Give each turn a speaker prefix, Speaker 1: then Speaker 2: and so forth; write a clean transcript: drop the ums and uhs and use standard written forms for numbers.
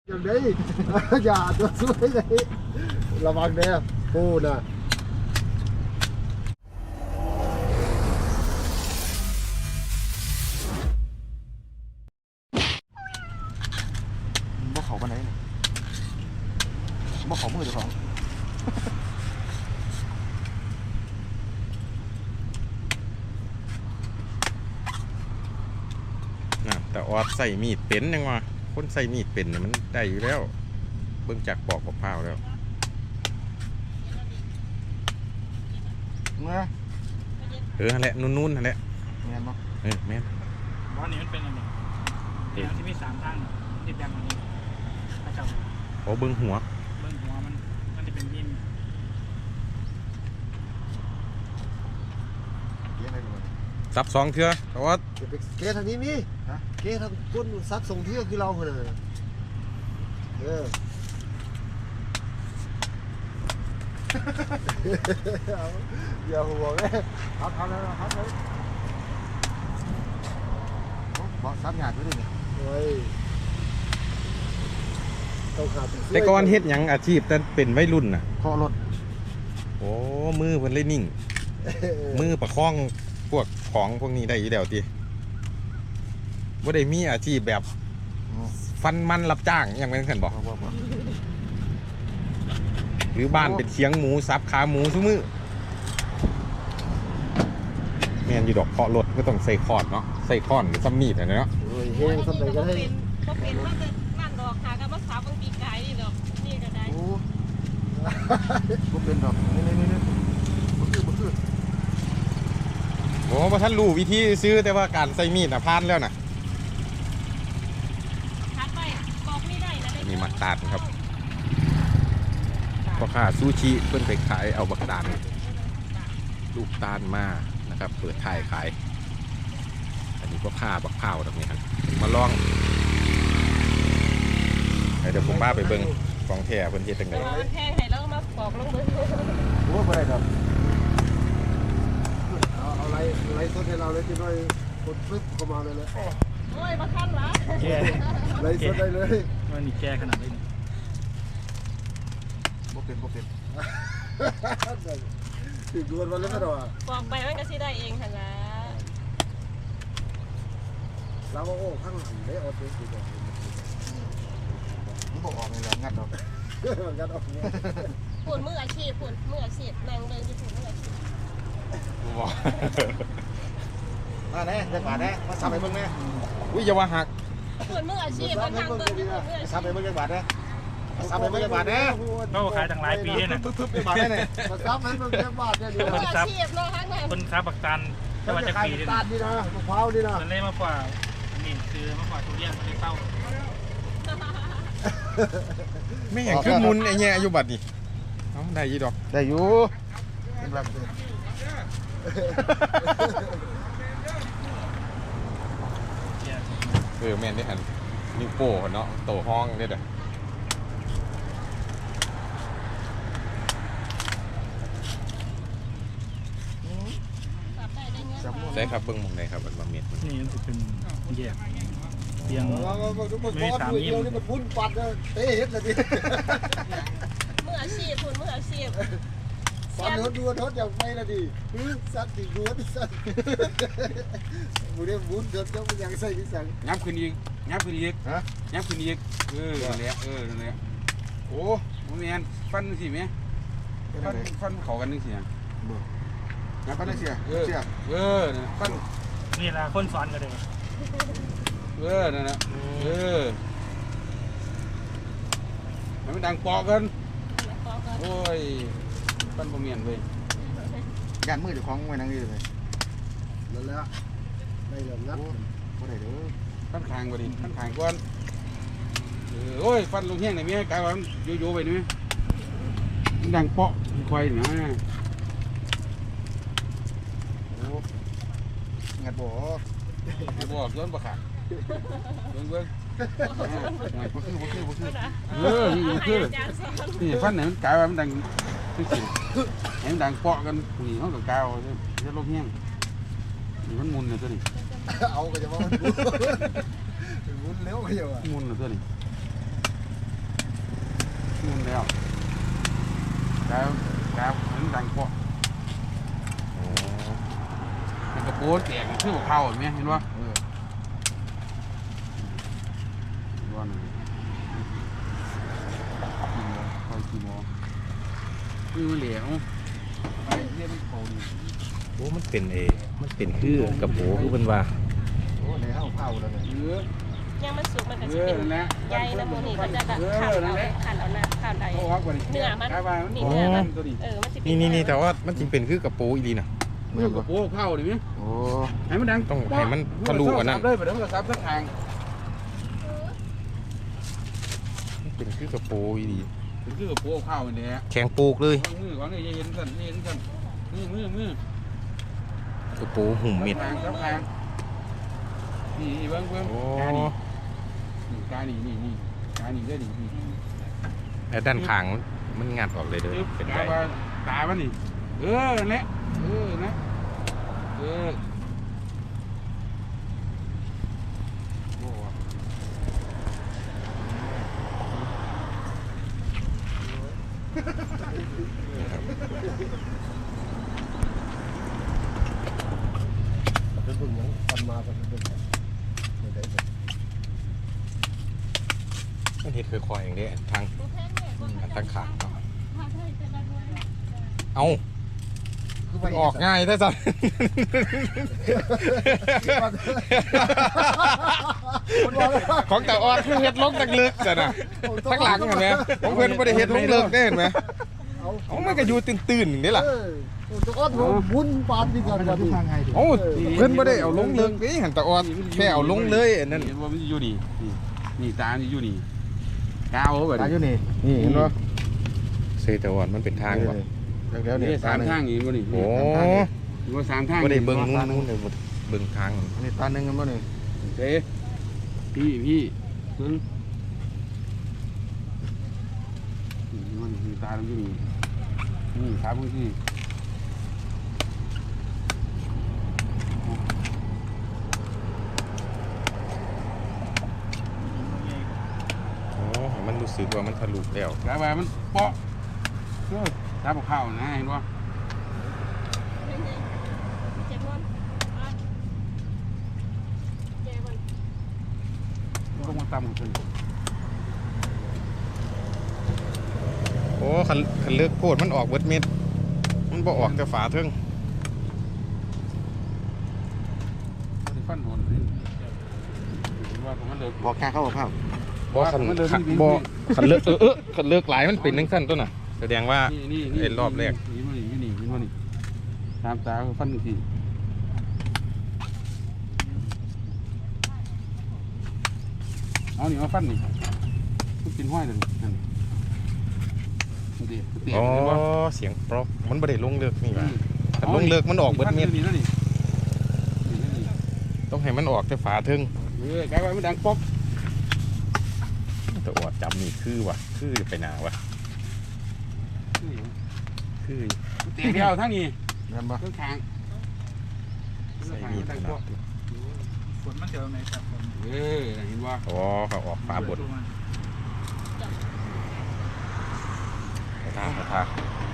Speaker 1: อย่างนี้อย่าตัวช่วยเลยระวังเด้อพูดนะบ่เขาปานไหนเนี่ยบ่เขามือเจ้าของ
Speaker 2: แต่ออดใส่มีดเป็นยังวะคนใส่มีดเป็นเนี่ยมันได้อยู่แล้วเบิ่งจากปอกกับข้าวแล้วนั่นแหละนุ่นๆนั่นแหละแม่นบ่แม่น
Speaker 3: ว่านี่มันเป็นอะไรเนี่ยที่มี3ทางติดแบบนี้พระเจ้า
Speaker 2: เบิ่งหัว
Speaker 3: มันจะเป็นยิ้ม
Speaker 2: ซับ2เทื่อแต่ว่า
Speaker 1: เกทางนี้มีเกทางก้นซักส่งเที่ยวคือเราเลยอย่าหัวเลยทำเลยบอกซับงานด้วยดิ
Speaker 2: แต่ก่อนเฮ็ดหยังอาชีพแต่เป็นวัยรุ่นน่ะ
Speaker 1: เคาะรถ
Speaker 2: โอ้มือเพิ่นเลยนิ่งมือประคองพวกของพวกนี้ได้อยู่แล้วติบ่ได้มีอาชีพแบบฟันมันรับจ้างอย่างเป็นเพิ่นบอกหรือบ้านเป็นเชียงหมูซับขาหมูซุมื้อแม่นอยู่ดอกเคาะรถก็ต้องใส่คอร์ดเนาะใส่ค้อนหรือซัมมีดอะไรเนาะ
Speaker 1: เฮ้ยสมัยก็ได้
Speaker 4: ก็เป็นว่าจะนั่นดอกหากันมาสาวบางปีกายนี่ดอกนี่ก็ได้
Speaker 1: ก็เป็นดอกนี่บ่คือ
Speaker 2: โอ้พระท่านรู้วิธีซื้อแต่ว่าการใส่มีดผ่านแล้วนะ
Speaker 4: ทัดไปบอกไม่ได้นะ
Speaker 2: นี่มาตาดครับพ่อค้าซูชิเพิ่นไปขายเอาบักตาลลูกตาลมานะครับเปิดท้ายขายอันนี้พ่อค้าบักเผาตรงนี้ครับมาลองเดี๋ยวผมบ้าไปเบิ่งกองแท้เพิ่นเฮ็ดจังได๋
Speaker 4: แทงให้แล้วมาปอกลงมือ
Speaker 1: โอ้บ่ได้ครับเอาไล่สดให้เราเลยที่น้อยกดปึ๊บเข้ามาเลย
Speaker 4: โอ้ยมาขั้นวะ
Speaker 3: แก
Speaker 1: ไล่สดได้เลย
Speaker 3: มันนี่แกขนาดนี้
Speaker 1: บ่เป็นถึงดวนวันแล้วไม่ดอก
Speaker 4: ปอกไปมันก็สิได้เองหั่นล่ะ
Speaker 1: เราโอ้ข้างหลังได้เอาตัวสิดอกมันบอกออกนี่แหละงัดออก
Speaker 4: ปุ่นมืออาชีพนั่งเดินอยู่ปุ่นมืออาชีพ
Speaker 2: บอก
Speaker 1: มาแน่จะบาดแน่มาซับไปเบิ่งแน่
Speaker 2: อุ้ยอย่าว่าหัก
Speaker 4: ปุ่นมืออาชีพมันทางเดิน
Speaker 1: ซับไปเบิ่งจังบาดแน่ซับไปเบิ่งจังบาดแน่
Speaker 3: เขาขายตั้งหลายปีเนี่ย
Speaker 1: ปึ๊บไปบาดแน่เนี่ยมาซับให้เบิ่งจังบาดเนี่ย
Speaker 4: มืออาชีพเนาะทั้งนั้น
Speaker 3: คนซับบักตันจะมาจากปีนี่
Speaker 1: นะมะพร้าวนี่นะ
Speaker 3: มันเล่มากกว่านี่คือมากกว่าทุเรียนมันเลยเต้า
Speaker 2: ไม่เห็นคือมุนไอ้แง่อยู่บัดนี่เอาได้ยี่ดอก
Speaker 1: ได้อยู่เป็นแบบ
Speaker 2: แม่นได้หันนิ้วโป้เนาะโตห้องได้เด้อใช่ครับเบิ้งมองไหนครับมันมาเม็ด
Speaker 3: นี่มันจะเป็นแยกเตียงไม่สามยิ้ม
Speaker 1: นี่มันพุ่นปัดเตะเห็ดเลยดิ
Speaker 4: มืออาชีพคุณมืออาชีพ
Speaker 1: ปัดดูอย่างไม่ละดิสัตว์ติดดูสัตว์บุเรียบุญเดินเจ้ามันยังใส่ที่สั่ง
Speaker 2: ยับขึ้นอีกยับขึ้นอีกนั่นแหละโอ้โหแม่นฟันสิแม่ฟันเขากันนึงสิ
Speaker 1: งับฟันได้เสีย
Speaker 2: ฟัน
Speaker 3: นี่แหละคนสอนกันเลย
Speaker 2: นั่นนะมันไม่ดังปอกกันโอ้ยฟันบ่เมียนเว้ย
Speaker 1: ยันมือเดี๋ยวของไว้นั่งอยู่เลยแล้วได้เรื่องงับก็ได้เด้อ
Speaker 2: ฟันคางกว่าดิฟันคางก่อนโอ้ยฟันลงแห้งไหนมีกายว่าโยไปนี่ดังเปาะควายนะ
Speaker 1: งัดบ่
Speaker 2: ย้อนบ่ขาดเบิ่งนี่ฟันไหนมันกายว่ามันดังคือสิเห็นดังเปาะกันนี่เขากับกาวจะลงแห้งนี่มันมุนเลยตัวนี้
Speaker 1: เอาก็จะว่ามันมุนเร็วก็จะว่า
Speaker 2: มุนเลยตัวนี้
Speaker 5: แล้วแล้วมันดังเปาะ
Speaker 2: อ๋อ
Speaker 5: มันกระโปรงแตกคือเข้าเห็นไหมเห็นว่าวันกี่โมงคือมันเหลวไอ้เรียกมันโผล่
Speaker 2: โอ้มันเป็นคือกระโปงคือเพิ่นว่า
Speaker 1: โอ้ในห้องเผาแล้วเนี่ย
Speaker 5: เยอะ
Speaker 4: ยังมันสุกมันก็
Speaker 5: เย
Speaker 4: จะ
Speaker 5: อะ
Speaker 4: เป็น
Speaker 5: นั่นแหละ
Speaker 4: ใยนะโมนี่ก็จะแบบขันเอานะขันใด
Speaker 5: โอ้ครับวันนี้
Speaker 4: เนื้อมัน
Speaker 5: นี่เนื้อมันตัวนี้
Speaker 4: มันจะเป็น
Speaker 2: นี่แต่ว่ามันจริงเป็นคือกระโปงอีหลีน่ะ
Speaker 5: มันกระโปรงเข้าดิมั้ย
Speaker 1: โอ้
Speaker 5: ให้มันดัง
Speaker 2: ต้องให้มันทะลุกว่านั้น
Speaker 5: เลยไปเดี๋ยวมันก็ซับสักทาง
Speaker 2: มันเป็นคือกระโปงอีหลี
Speaker 5: ถึงคือกระโปรงเข้าเนี่ย
Speaker 2: แข็งปูกเลย
Speaker 5: วางนี่เย็นสั่นเย็นสั่นมือก
Speaker 2: ระโปงหุ่มเม็ด
Speaker 5: ซับทางนี่เบิ้ง
Speaker 2: โอ้
Speaker 5: กานี่นี่กานี่ได้นี่
Speaker 2: แล้วด้านข้างมันงัดออกเลยเด้อเป็น
Speaker 5: กา
Speaker 2: ไง
Speaker 5: ว่าตามันนี่นั่นแหละนะโอ้
Speaker 1: เป็นบุญยังทำมาเป็นบุญไม่ได้
Speaker 2: มันเฮ็ดคือคอยอย่างเด้ทางทางข้างเนาะเอามันออกง่ายแท้จัง ของตาออดคือเฮ็ดลงตักลึกจ้ะน่ะทั้งหลังเห็นไหมของเพิ่นบ่ได้เฮ็ดลงเลิกได้เห็นไหมเอามันก็อยู่ตื่นๆนี่ล่ะ
Speaker 1: ตัวอ้อนบุญปานที่กันทุกทางไง
Speaker 2: โอ้เพิ่นบ่ได้เอาลงเลิกนี่หันตาออดแค่เอาลงเลยอันนั้น
Speaker 5: เห็นว่ามันอยู่นี่ตานี่อยู่นี่กาวแบบ
Speaker 1: ตาอยู่นี่นี่เห็นบ่
Speaker 2: เซตาออดมันเป็นทางบ่
Speaker 1: แล้วเนี่ย
Speaker 5: สามทางนี่บ่นี่
Speaker 2: โอ้
Speaker 5: ว่าสามทาง
Speaker 2: บ่ได้เบิ่งนู่นเลยบ่เบิ่งทาง
Speaker 1: นี่ตาหนึ่งกันบ่นี่
Speaker 5: เด้พี่ซึ่งมันตาอยู่นี่ครับพี่
Speaker 2: โอ้มันรู้สึกว่ามันทะลุแล้ว
Speaker 5: กาวมันเปาะตาบอกข้าวนะเห็นว่า
Speaker 4: เจ็บมันเจ็บมัน
Speaker 5: ต้องมาตำขึ้น
Speaker 2: โอ้คันเลิกโคตรมันออกเบิดเม็ดมันบ่ออกแต่ฝาเทิง
Speaker 5: ฟันโดนว่าผมมันเลิก
Speaker 1: บอกแค่เข้าข้าว
Speaker 2: บ่คันคันเลิกคันเลิกหลายมันเป็นจังซั่นตัวน่ะแสดงว่า ไอ้รอบแรก
Speaker 5: นี่มันนี่ตามตาฟันหนึ่งทีเอานี่มาฟันนี่มันกินห้อยเลยนั่นเตี๋ย
Speaker 2: อ๋อเสียงปลอกมันบ่ได้ลงเลิกนี่ว่าคันลงเลิกมันออกเบิดเม็ด
Speaker 5: นี่นี่
Speaker 2: ต้องให้มันออกแต่ฝาเทิง
Speaker 5: กลายว่ามันดังป๊อก
Speaker 2: แต่ออดจำนี่คือว่ะคือไปหนาวะคือ
Speaker 5: เตี๋ยเดียวทั้งนี้
Speaker 1: นั่นบ่
Speaker 5: เครื่องทาง
Speaker 2: ใส่มีด
Speaker 5: ดัง
Speaker 2: ข
Speaker 5: ป๊
Speaker 2: นา
Speaker 5: อก
Speaker 2: ด
Speaker 3: ฝนมันเจอไหมครับผม
Speaker 5: เห็นว่า
Speaker 2: อ๋อเขาออกฝาบดกระทากระทาก